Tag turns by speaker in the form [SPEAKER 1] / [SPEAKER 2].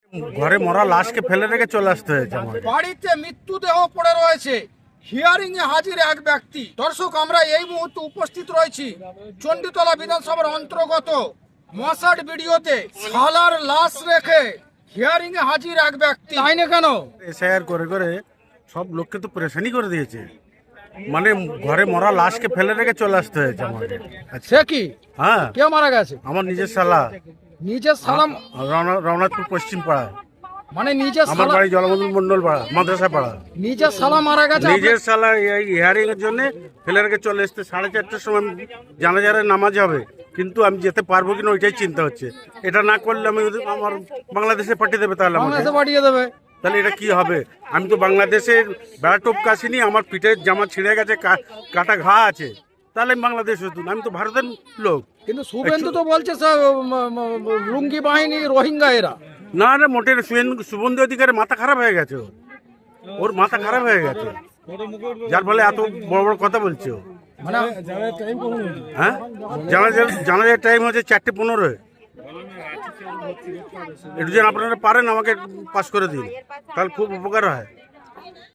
[SPEAKER 1] ঘরে মরা লাশকে ফেলে রেখে চলে আসতে হয়েছে আমাকে।
[SPEAKER 2] বাড়িতে মৃত্যুদেহ পড়ে রয়েছে, হিয়ারিং এ হাজির এক ব্যক্তি। দর্শক, আমরা এই মুহূর্তে উপস্থিত রয়েছি চণ্ডীতলা বিধানসভার অন্তর্গত মশাট ভিডিওতে। শালার লাশ রেখে হিয়ারিং এ হাজির এক ব্যক্তি। আইনে কেন?
[SPEAKER 1] এসআইআর করে করে সব লোককে তো পরেশানি করে দিয়েছে। মানে ঘরে মরা লাশকে ফেলে রেখে চলে আসতে হয়েছে আমাকে।
[SPEAKER 2] সে কি?
[SPEAKER 1] হ্যাঁ,
[SPEAKER 2] কে মারা গেছে?
[SPEAKER 1] আমার নিজের শালা,
[SPEAKER 2] নিজের সালাম
[SPEAKER 1] রওনাথপুর পশ্চিম পাড়ায়।
[SPEAKER 2] মানে নিজের
[SPEAKER 1] আমার
[SPEAKER 2] সালা,
[SPEAKER 1] বাড়ি জলবন্ধন মন্ডল পাড়া, মাদ্রাসা পাড়া।
[SPEAKER 2] নিজের সালা মারা গেছে।
[SPEAKER 1] নিজের শালা এই হিয়ারিং এর জন্য ফেলে রেখে চলে এসতে 4:30টার সময় জানাজারে নামাজ হবে, কিন্তু আমি যেতে পারবো কিনা ওইটাই চিন্তা হচ্ছে। এটা না করলে আমি আমার বাংলাদেশে পাঠিয়ে দেবে, তাহলে আমাকে।
[SPEAKER 2] বাংলাদেশে পাঠিয়ে দেবে।
[SPEAKER 1] তাহলে এটা কি হবে? আমি তো বাংলাদেশের বেড়া টোপ কাশিনি, আমার পিঠের জামা ছিঁড়ে গেছে, কাটা ঘা আছে, তাহলে আমি বাংলাদেশ হতো না। আমি তো ভারতের লোক।
[SPEAKER 2] কিন্তু শুভেন্দু তো বলছে লুঙ্গি বাহিনী রোহিঙ্গা এরা।
[SPEAKER 1] না না, মোটের শুভেন্দু অধিকারের মাথা খারাপ হয়ে গেছে। ওর মাথা খারাপ হয়ে গেছে, যার ফলে এত বড় বড় কথা বলছে ও।
[SPEAKER 2] মানে
[SPEAKER 1] হ্যাঁ, জানাজার টাইম হচ্ছে 4:15। একটু যেন আপনারা পারেন আমাকে পাস করে দিন, তাহলে খুব উপকার হয়।